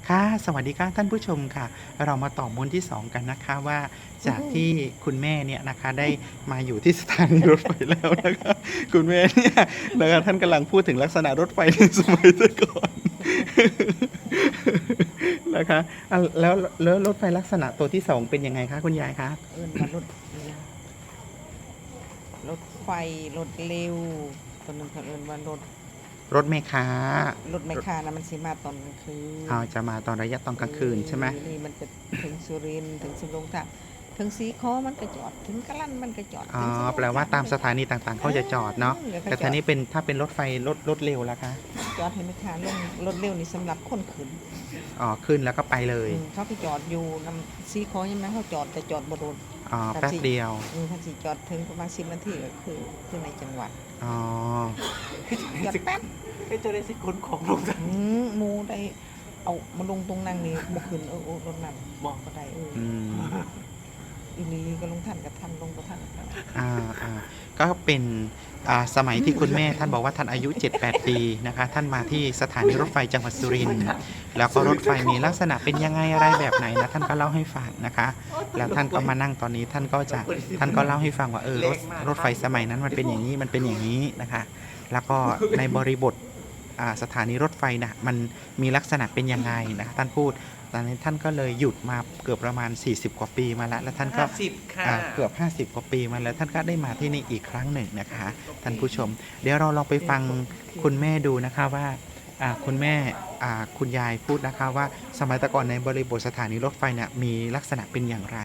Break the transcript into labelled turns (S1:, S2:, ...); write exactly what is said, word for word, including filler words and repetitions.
S1: ค่ะสวัสดีค่ะท่านผู้ชมค่ะเรามาต่อม้วนที่สองกันนะคะว่าจากที่คุณแม่เนี่ยนะคะได้มาอยู่ที่สถานีรถไฟแล้วนะคะคุณแม่เนี่ยนะคะท่านกำลังพูดถึงลักษณะรถไฟในสมัยแต่ก่อนนะคะอ่ะแล้วแล้วรถไฟลักษณะตัวที่สองเป็นยังไงคะคุณยายคะ
S2: เอิ้นว่ารถอิหยังรถไฟรถเร็วตัวหนึงเขาเอิ้นว่ารถ
S1: รถเมล์ค้า
S2: รถไมคคานะมันสิมาตอนกลางคืน
S1: เอาจะมาตอนระยะตอนกลางคืนใช่ไหม
S2: เออนี่มันจะถึงสุรินทร์ถึงสำโรงทาบถึงสีขอมันก็จอดถึงกะลั่นมันก็จอด
S1: อ๋อ
S2: ถึงสำโรง
S1: แปลว่าตามสถานีต่างๆเขาจะจอดเนาะ
S2: ออแล้วก็
S1: แต่
S2: จ
S1: ที
S2: อด
S1: นี้เป็นถ้าเป็นรถไฟรถรถเร็วล่ะคะ
S2: จอดให้แม่ค้าลงรถเร็วนี่สำหรับคนขึ้น
S1: อ๋อขึ้นแล้วก็ไปเลย
S2: อืมเขาไปจอดอยู่นำสีขอใช่ไหมเขาจอดแต่จอดบ่โดน
S1: อ๋อ
S2: ครับ
S1: แป๊บ
S2: สิ
S1: เดียว
S2: อืมถ้าสิจอดถึงประมาณสิบนาทีก็คือคือในจังหวัด
S1: อ๋อ
S2: จอดแป๊บ
S3: ไม่จะได้สิคนของลงจาก
S2: อืมหมูได้เอามาลงตรงนั่งนี่บ่ขึ้นเออโอ้รถนั่น
S3: บอก
S2: ก็ได้เออ
S1: อืม
S2: อีหลีก็ลงท่านกับท่านลงกับท่านครับ
S1: อ่าอ่าก็เป็นอ่าสมัยที่คุณแม่ท่านบอกว่าท่านอายุ เจ็ดแปด ปีนะคะ ท่านมาที่สถานีรถไฟจังหวัดสุรินทร์แล้วก็รถไฟมีลักษณะเป็นยังไงอะไรแบบไหนนะท่านก็เล่าให้ฟังนะคะ แล้วท่านก็มานั่งตอนนี้ท่านก็จะท่านก็เล่าให้ฟังว่าเออรถรถไฟสมัยนั้นมันเป็นอย่างนี้มันเป็นอย่างนี้นะคะ แล้วก็ในบริบทอ่าสถานีรถไฟนะมันมีลักษณะเป็นยังไงนะคะท่านพูดตอนนี้ท่านก็เลยหยุดมาเกือบประมาณ สี่สิบ กว่าปีมาแล้วแล้วท่านก็
S3: ห้าสิบค่ะ
S1: อ่าเกือบ ห้าสิบ กว่าปีมาแล้วท่านก็ได้มาที่นี่อีกครั้งหนึ่งนะคะ ท่านผู้ชม เดี๋ยวเราลองไปฟังคุณแม่ดูนะคะว่าอ่าคุณแม่อ่าคุณยายพูดนะคะว่าสมัยแต่ก่อนในบริบทสถานีรถไฟเนี่ยมีลักษณะเป็นอย่างไร